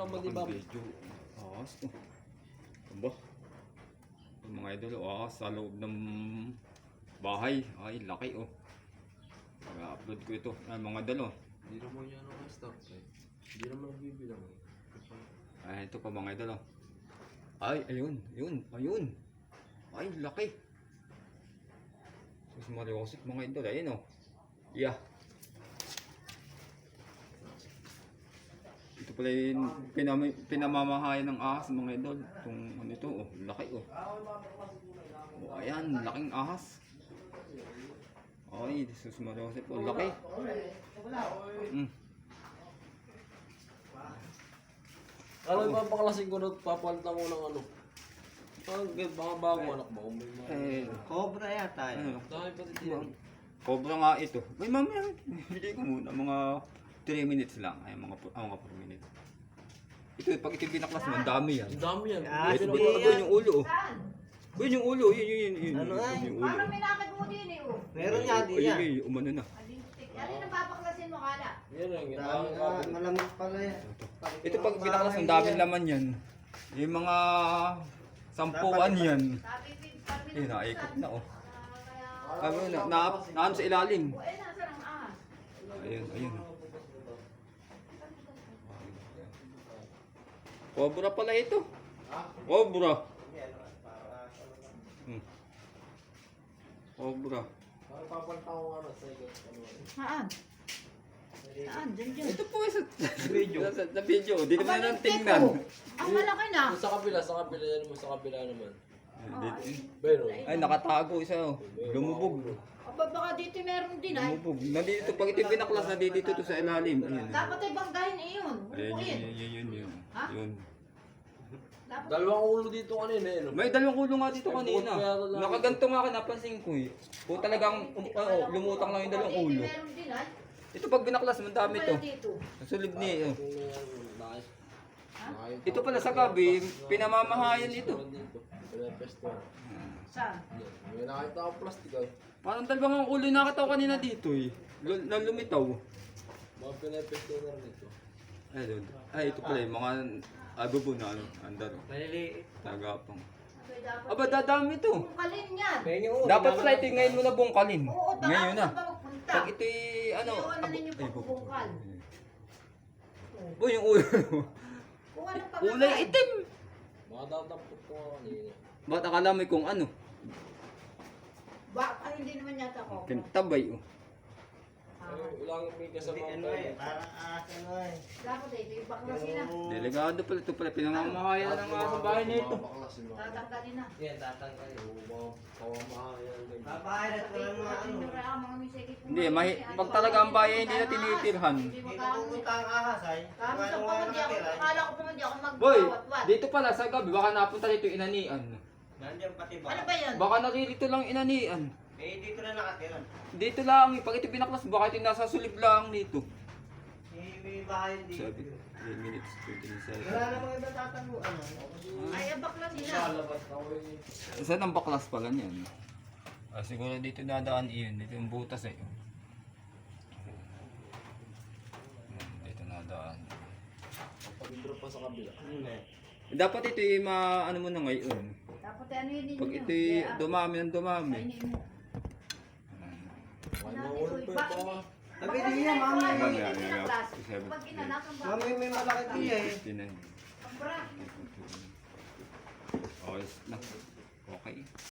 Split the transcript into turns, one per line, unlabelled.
mo, di ba?
Video. Ahas. Aba. Yung mga idol, ahas sa loob ng bahay. Ay, laki oh. I-upload ko ito. Ay, mga idol oh.
Hindi naman yan ang stop eh. Hindi naman bibilang eh.
Ay, ito pa mga idol oh. Ay, ayun. Ayun. Ay, laki. Sus Mariosip mga idol. Ayun oh. Yeah. Ito pala yung pinamamahayan ng ahas mga idol. Itong ano ito oh. Laki oh. Oh, ayan. Laking ahas. Ay, sus Mariosip oh. Laki.
Ano yung papaklasin ko na papalitan ko ng ano? Baka bago anak ba?
Cobra yata yun.
Ano?
Dahil pati tiyan.
Cobra nga ito. May mamaya. Bigay ko muna. Mga 3 minutes lang. Ay, mga 4 minutes. Ito, pag ito binaklas mo, ang dami yan.
Ang dami yan.
Ah,
Ito,
hindi
ito,
yan.
yung ulo oh.
Saan?
Yun yung ulo. Yun.
Ano nga?
Yung ulo.
Parang may nakit mo din eh, oh.
Meron nga di yan.
Ay, umano na.
Alintik. Ano yung napapaklasin mo, kala?
Yan lang yan.
Malamig pala yan.
Ito pag binaklas, ang daming laman yan. Yung mga sampuan yan.
Sabi, parang
Eh, naikot na oh.
Kaya...
Ano, naan sa ilalim.
O, eh, nasa ng ahas?
Ayun. Cobra pala ito. Cobra. Cobra.
Parang papalitan ko nga na sa
Saan? Saan? Diyan.
Ito po sa video. Sa video. Di naman nang tingnan.
Ang malaki na.
Sa kabila yan mo, sa kabila naman.
Pero, ay, nakatago isa oh. Lumubog.
Aba, baka dito meron din ay.
Lumubog. Nandito, pag ito binaklas, nandito to sa ilalim. Ayun.
Dapat ay banggahin iyon. Bukuin.
Yun.
Ha?
Yun.
Dapat
Dalawang ulo dito kanina eh. No?
May dalawang ulo nga dito kanina. Nakaganto nga ako, napansin ko eh. Kung talagang lumutang lang yung dalawang
dito
ulo.
meron din ay.
Ito pag binaklas, madami to.
Kaya dito.
Nasulib ni oh.
Ha?
Ito pala sa gabi, pinamamahayan ito.
Pinapesto.
Saan?
May nakita ako plastic ay.
Parang dalawang ulo yung nakataw kanina dito eh. Na lumitaw.
Mga pinapesto na rin ito.
Ay, ito pala yung mga agobo na ano, andar.
Maliliit.
Tagapang.
Abay, dapat.
Aba, dadami to.
Bungkalin yan.
Dapat pala ito ngayon mo na bungkalin.
Oo,
Ngayon na.
saan ba magpunta?
Pag ito'y ano,
Iwan na ninyo
ay,
pagbubungkal.
Boy, yung ulo.
Kung anong
Kulay
pagkain.
itim.
Mga dadampot ko nga kanina.
Ba't akala mo kung ano?
Ba, hindi naman yata ako.
Kintabay oh.
Ilang may kasama
Ano eh, parang ano eh.
Dapat ito yung baklasin na.
Delikado pala ito pala. Pinamamahayan ng mga sa bahay na ito.
Tatanggalin na.
Yan, tatanggalin.
Pawamahayan.
Papahirat ko lang mga ano.
Hindi, pag talaga ang bahay hindi na tinitirhan.
Hindi
Hindi
magkakaroon.
pupunta ang ahas ay.
Kami sa pa hindi ako, akala ko pa hindi ako
Boy,
magbawat-wat.
dito pala sa gabi, baka napunta dito yung inanian.
Nandiyan pati ba?
Ano ba yan?
Baka naririto lang inanian.
Eh, dito na nakatira.
Dito lang, pag ito binaklas, baka ito nasa sulib lang dito.
May bahay dito.
3 minutes, 20 seconds.
Wala namang iba tatago. Ano?
Ay, ang baklas nila.
Lalabas ako eh.
Saan ang baklas pala niyan? Siguro dito nadaan iyon, dito yung butas eh. Dito nadaan.
Pag-intro pa sa kabila.
Dapat ito yung ano mo na ngayon.
Dapat ano yun
Pag
ninyo?
ito dumami ng dumami.
Kainin mo.
Ay, maulo pa yung mga.
Sabi niya, mami.
Pag inanak ang
Mami, may malaki tiya eh.
59.
Ang bra.
Okay na. Okay.